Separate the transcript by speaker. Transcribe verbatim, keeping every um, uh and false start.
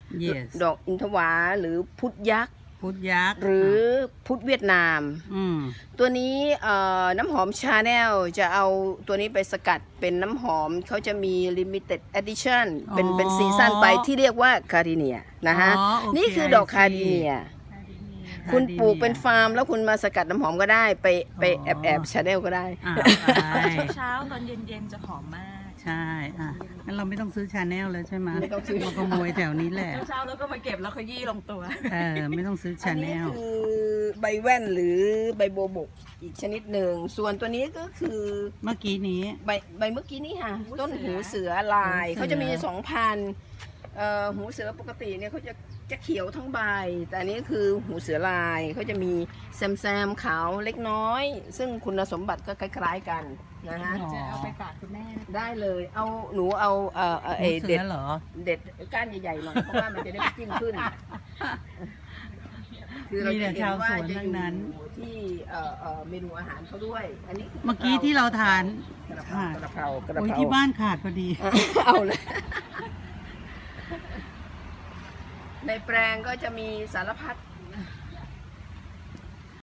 Speaker 1: yes
Speaker 2: ดอกอินทวาหรือพุทธยักษ์
Speaker 1: พุทธยักษ์
Speaker 2: หรือพุทธเวียดนาม
Speaker 1: อืม
Speaker 2: ตัวนี้น้ำหอมชาแนลจะเอาตัวนี้ไปสกัดเป็นน้ำหอมเขาจะมี limited edition เป็นเป็นซีซั่นไปที่เรียกว่าคาริเนียนะฮะ
Speaker 1: อ๋อโอเค
Speaker 2: นี่คือดอกคาริเนีย คุณปลูกเป็นฟาร์มแล้วคุณมาสกัดน้ำหอมก็ได้ไปไปแอบแอบชาแนลก็ได้
Speaker 1: อ่าไป
Speaker 3: เช้าตอนเย็นๆจะหอมมาก
Speaker 1: ใช่อ่ะงั้นเราไม่ต้องซื้อชาแนลแล้วใช่ไหม
Speaker 2: ไม่ต้องซื้อ
Speaker 1: เราขโมยแถวนี้แหละ
Speaker 3: เช้าๆแล้วก็มาเก็บแล้วขยี้ลงตัว
Speaker 1: เออไม่ต้องซื้อ
Speaker 2: อั
Speaker 1: ชาน แน
Speaker 2: นี้
Speaker 1: ล
Speaker 2: คือใบแว่นหรือใบโบวบกอีกชนิดหนึ่ง ส่วนตัวนี้ก็คือ
Speaker 1: เมื่อกี้นี้
Speaker 2: ใบใบเมื่อกี้นี่ค่ะ
Speaker 3: หูเสือ
Speaker 2: ต้นหูเสือลาย
Speaker 1: หูเสือ
Speaker 2: เขาจะมีสองพันเอ่อหูเสือปกติเนี่ยเขาจะจะเขียวทั้งใบ แต่อันนี้คือหูเสือลายเขาจะมีแซมแซมขาวเล็กน้อย ซึ่งคุณสมบัติก็คล้ายๆกันนะฮะ
Speaker 1: อ๋อ
Speaker 3: จะเอาไปฝากคุณแม่นะ
Speaker 2: ได้เลยเอาหนูเอาเอ่อเอ่อ
Speaker 1: หู
Speaker 2: เอ่อ
Speaker 1: เสื
Speaker 2: เด็
Speaker 1: อ
Speaker 2: ด
Speaker 1: เหรอ
Speaker 2: เด็ดก้านใหญ่ๆหน่อยเพราะว่ามันจะได้จิ้มขึ้น คือเรา
Speaker 1: มีแต่
Speaker 2: จะเห็น
Speaker 1: ชาว
Speaker 2: ว่า
Speaker 1: สวน
Speaker 2: จะ
Speaker 1: ทั้
Speaker 2: อง
Speaker 1: นั้น
Speaker 2: ยู่ที่เอ่อเอ่อเมนูอาหารเขาด้วย อันนี้คื
Speaker 1: เมื่อกี้ที่เราทาน
Speaker 2: กระเพรากระเพรากระ
Speaker 1: โอ้ย
Speaker 2: เพรา
Speaker 1: ที่บ้านขาดพอดี
Speaker 2: เอาเลย ในแปลงก็จะมีสารพัด